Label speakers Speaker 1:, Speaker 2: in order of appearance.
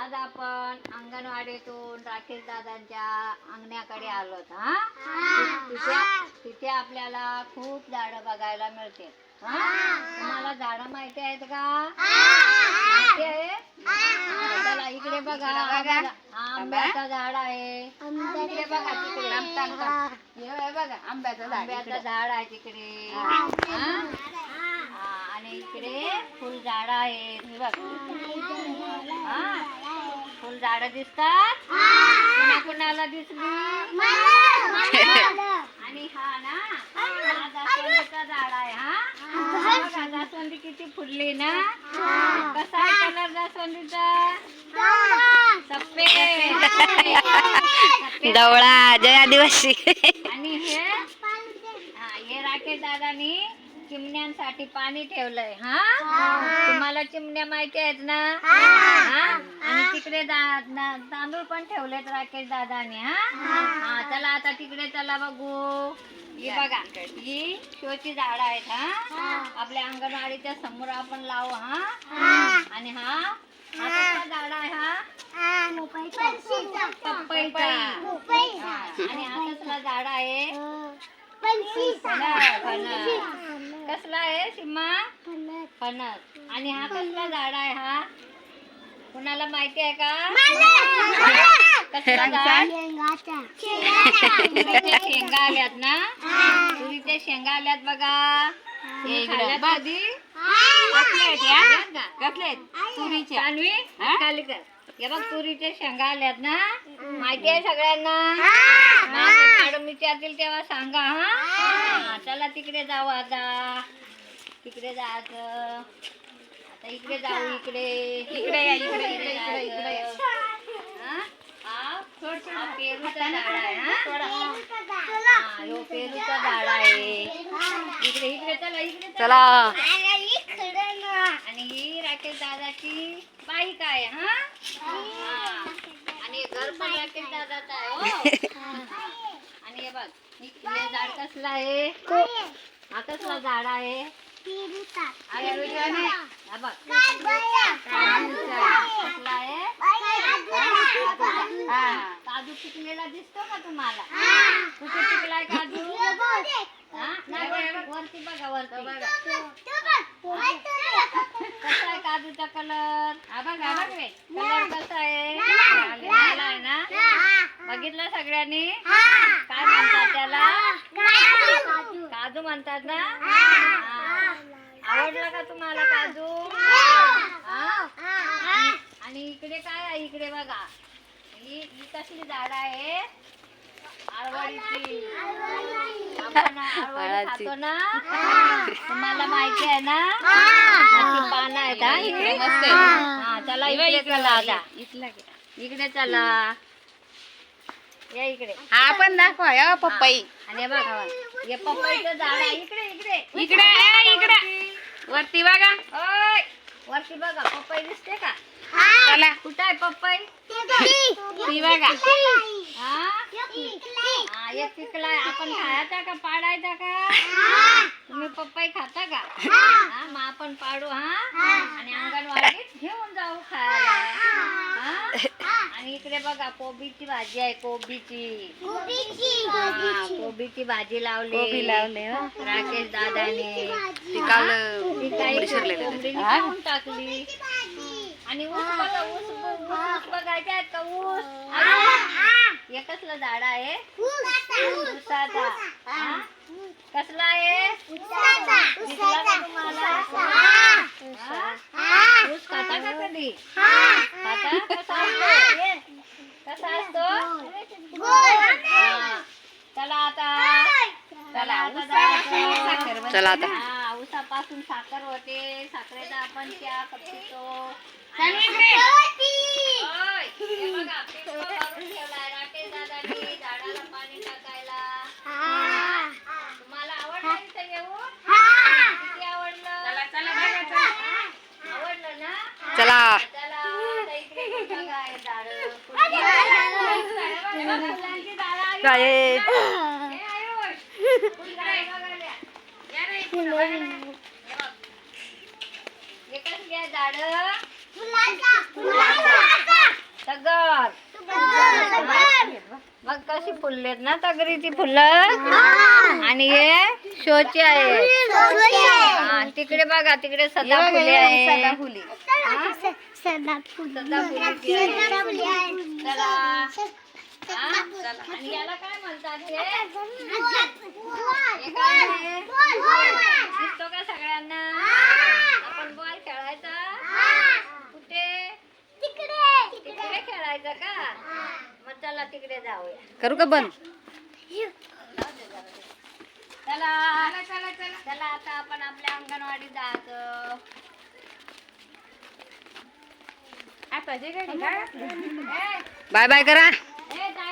Speaker 1: आज आपण अंगणवाडीतून राकेश दादांच्या अंगण्याकडे आलोत. तिथे आपल्याला खूप झाडं बघायला मिळते. तुम्हाला झाडं माहिती आहेत का? माहिती आहे? चला इकडे बघा. आंब्याचं झाड आहे. इकडे बघा तिकडे. हे बघा आंब्याचं झाड आहे तिकडे. आणि इकडे फुल झाड आहेत. हे बघ फुल झाड दिसतात. कुणाला दिसली? आणि हा ना जास्वंदीचा झाड आहे. हा जास्वंदी किती फुलली ना. कसा आहे कलर जास्वंदीचा? सफेद
Speaker 2: डवळा जय आदिवासी.
Speaker 1: आणि हे राकेश दादानी चिमण्यांसाठी पाणी ठेवलंय. तुम्हाला चिमण्या माहिती आहेत ना. आणि तिकडे तांदूळ पण ठेवलेत राकेश दादाने. चला आता तिकडे चला बघू. ही बघा ही शोची झाड आहेत. आपल्या अंगणवाडीच्या समोर आपण लावू. आणि हा कसला झाड आहे? पपईचा. आणि हा कसला झाड आहे? कसला आहे सीमा? फणस. आणि हा कसला झाड आहे? हा कुणाला माहिती आहे का? कसला झाड? तुरीच्या शेंगा आल्यात ना. तुरीच्या शेंगा आल्यात बघा. कधी तुरीच्या खाली कर. हे बघ तुरीच्या शेंगा आल्यात ना. माहिती आहे सगळ्यांना? मॅडम विचारतील तेव्हा सांगा. चला तिकडे जाऊ. आता तिकडे जायचं. आता इकडे जाऊ. इकडे या. इकडे पेरूचा झाड आहे. पेरूचा झाड आहे. इकडे चला. आणि ही राकेश दादाची बाईक आहे. आणि घर पण राकेश दादाचा आहे. आणि हे बघ हे झाड कसलं आहे? हा कसला झाड आहे? काजू पिकलेला दिसतो का तुम्हाला? कुठे पिकलाय काजू? वरती बघा. कसा आहे काजूचा कलर? कलर कसा आहे? ना बघितलं सगळ्यांनी? काय म्हणतात त्याला? काजू म्हणतात ना. आवडला का तुम्हाला काजू? आणि इकडे काय आहे? इकडे बघा ही कसली झाड आहे? आळवडीची. आपण आळवडी खातो ना. तुम्हाला माहिती आहे ना? पानं आहेत. इकडे मस्त. चला इकडे चला. आता इकडे चला. या इकडे.
Speaker 2: हा पण दाखवा पपई.
Speaker 1: आणि बघा हे पपईचं झाड आहे.
Speaker 2: इकडे वरती बघा.
Speaker 1: वरती बघा पपई दिसते का?
Speaker 2: चला.
Speaker 1: कुठं आहे पपई?
Speaker 2: ती बघा.
Speaker 1: एक पिकलाय. आपण खायचा का पाडायचा का? तुम्ही पपई खाता का? मग आपण पाडू. आणि अंगणवाडीत घेऊन जाऊ खायला. आणि इकडे बघा कोबीची भाजी आहे. कोबीची भाजी लावली राकेश दादाने. खाऊन टाकली. आणि ऊस बघा. ऊस बघायचे आहेत का? ऊस. हे कसलं झाड आहे? ऊसाचा. कसला आहे? दिसला का तुम्हाला? ऊस खाता का कधी? खाता? कसा असतो? चला आता.
Speaker 2: चला आता.
Speaker 1: ऊसापासून साखर होते. साखरेचा आपण चहा पितो. राकेश दादानी झाडाला पाणी टाकायला. तुम्हाला आवडलं इथं येऊन? किती आवडलं? आवडलं ना.
Speaker 2: चला.
Speaker 1: इकडे बघा हे झाडं. हे कसली आहे झाडं? फुलाचा. तगर. मग कशी फुललेत ना तगरीची फुलं. आणि हे शोची आहे. हा, तिकडे बघा तिकडे सदाफुली आहे. सदाफुलीची आहे. चला. हा, चला. आणि याला काय म्हणतात हे? हे काय आहे? दिसतो का सगळ्यांना? आपण बॉल खेळायचा कुठे? तिकडे खेळायचं का? मग चला तिकडे जाऊया.
Speaker 2: करू का बंद?
Speaker 1: चला चला आता आपण आपल्या अंगणवाडीत जायचं.
Speaker 2: बाय बाय करा.
Speaker 1: ए,